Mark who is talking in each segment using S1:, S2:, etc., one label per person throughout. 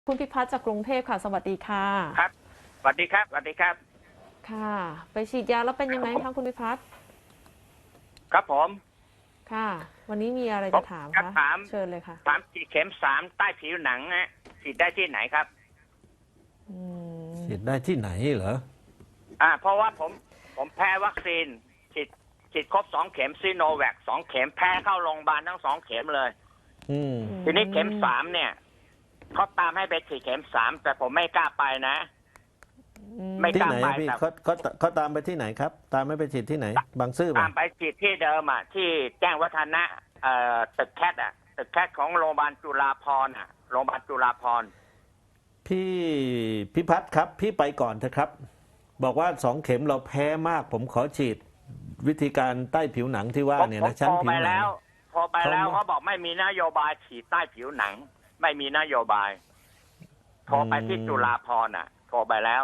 S1: คุณพิพัฒน์จากกรุงเทพค่ะสวัสดีค่ะ
S2: ครับสวัสดีครับสวัสดีครับ
S1: ค่ะ ไปฉีดยาแล้วเป็นยังไงคะคุณพิพัฒน์
S2: ครับผม
S1: ค่ะ วันนี้มีอะไร
S2: ผม
S1: จะถาม
S2: จะ
S1: คะ
S2: ถาม
S1: เชิญเลยค่ะ
S2: ฉีดเข็มสามใต้ผิวหนังฮะฉีดได้ที่ไหนครับ
S1: อืม
S3: ฉีดได้ที่ไหนเหรอ
S2: เพราะว่าผมแพ้วัคซีนฉีดครบ2 เข็มซีโนแวค2 เข็มแพ้เข้าโรงพยาบาลทั้ง2 เข็มเลยทีนี้เข็มสามเนี่ยเขาตามให้ไปฉีดเข็มสามแต่ผมไม่กล้าไปนะไม่ก
S3: ที่
S2: ล้า
S3: ไหน
S2: ไป
S3: พี่
S2: แต่
S3: เขาตามไปที่ไหนครับ ตามไม่ไปฉีดที่ไหนบางซื่อป่ะ
S2: ตามไปฉีดที่เดิมที่แจ้งวัฒนะตึกแคทตึกแคทของโรงพยาบาลจุฬาภรณ์โรงพยาบาลจุฬาภรณ์
S3: พี่พิพัฒน์ครับพี่ไปก่อนเถอะครับบอกว่า2 เข็มเราแพ้มากผมขอฉีดวิธีการใต้ผิวหนังที่ว่าเนี่ยนะชั้นผิวหนัง
S2: พอไปแล้วเขาบอกไม่มีนโยบายฉีดใต้ผิวหนังไม่มีนโยบายโทรไปที่จุฬาภรณ์โทรไปแล้ว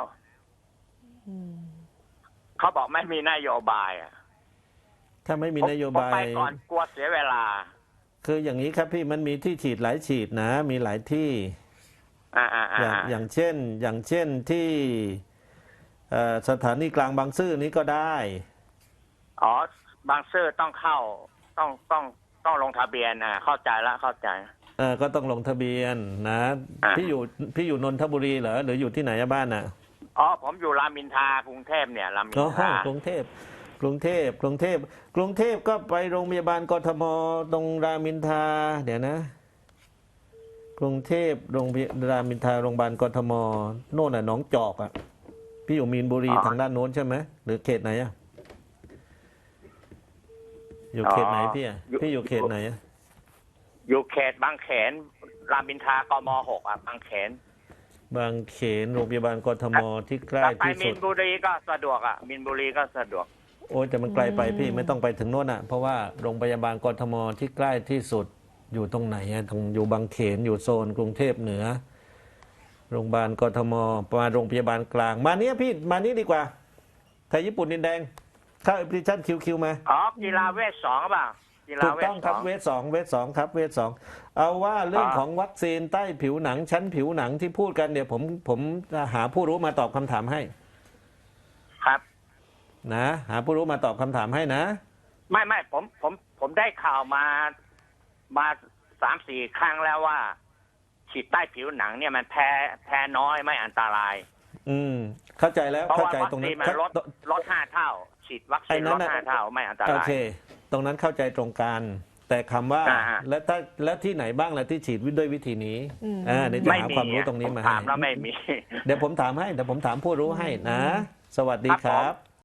S2: เขาบอกไม่มีนโยบาย
S3: ถ้าไม่มีนโยบาย
S2: ผมไปก่อนกลัวเสียเวลา
S3: คืออย่างนี้ครับพี่มันมีที่ฉีดหลายฉีดนะมีหลายที่อย่างเช่นที่สถานีกลางบางซื่อนี้ก็ได้
S2: บางซื่อต้องเข้าต้องลงทะเบียนเข้าใจแล้วเข้าใจ
S3: ก็ต้องลงทะเบียนนะพี่อยู่นนทบุรีเหรอหรืออยู่ที่ไหนบ้าน
S2: ผมอยู่รามอินทรากรุงเทพเนี่ยรามอินทราก
S3: รุงเทพก็ไปโรงพยาบาลกทมตรงรามอินทราเดี๋ยวนะกรุงเทพโรงพยาบาลรามอินทราโรงพยาบาลกทมโน่นหนองจอกพี่อยู่มีนบุรีทางด้านโน้นใช่ไหมหรือเขตไหนอยู่เขตไหนพี่อยู่เขตไหน
S2: อยู่เขตบางเขนรามอินทรากม.6บางเขน
S3: โรงพยาบาลกทมที่ใกล้ที่สุด
S2: มีนบุรีก็สะดวกมีนบุรีก็สะดวก
S3: โอ้ยแต่มันไกลไปพี่ไม่ต้องไปถึงโน่นเพราะว่าโรงพยาบาลกทมที่ใกล้ที่สุดอยู่ตรงไหนตรงอยู่บางเขนอยู่โซนกรุงเทพเหนือโรงพยาบาลกทมมาโรงพยาบาลกลางมาเนี้ยพี่มานี้ดีกว่าไทยญี่ปุ่นดินแดงเข้าแอปพลิเคชันคิวมา
S2: กีฬาเวท2ป่ะ
S3: ถูกต้องครับเวท2ครับเวท2เอาว่าเรื่องของวัคซีนใต้ผิวหนังชั้นผิวหนังที่พูดกันเดี๋ยวผมหาผู้รู้มาตอบคำถามให้
S2: ครับ
S3: นะหาผู้รู้มาตอบคำถามให้นะ
S2: ไม่ผมได้ข่าวมา3-4 ครั้งแล้วว่าฉีดใต้ผิวหนังเนี่ยมันแพ้น้อยไม่อันตราย
S3: เข้าใจแล้วเข้าใจตรงนั้น
S2: ลด5 เท่าฉีดวัคซีนลด5 เท่าไม่อันตราย
S3: โอเคตรงนั้นเข้าใจตรงกันแต่คำว่าแล้วที่ไหนบ้างล่ะที่ฉีดด้วยวิธีนี้เดี๋ยวจะหาความรู้ตรงนี้มาให้
S2: ถามแล้วไม่มี
S3: เดี๋ยวผมถามผู้รู้ให้นะสวัสดีครับ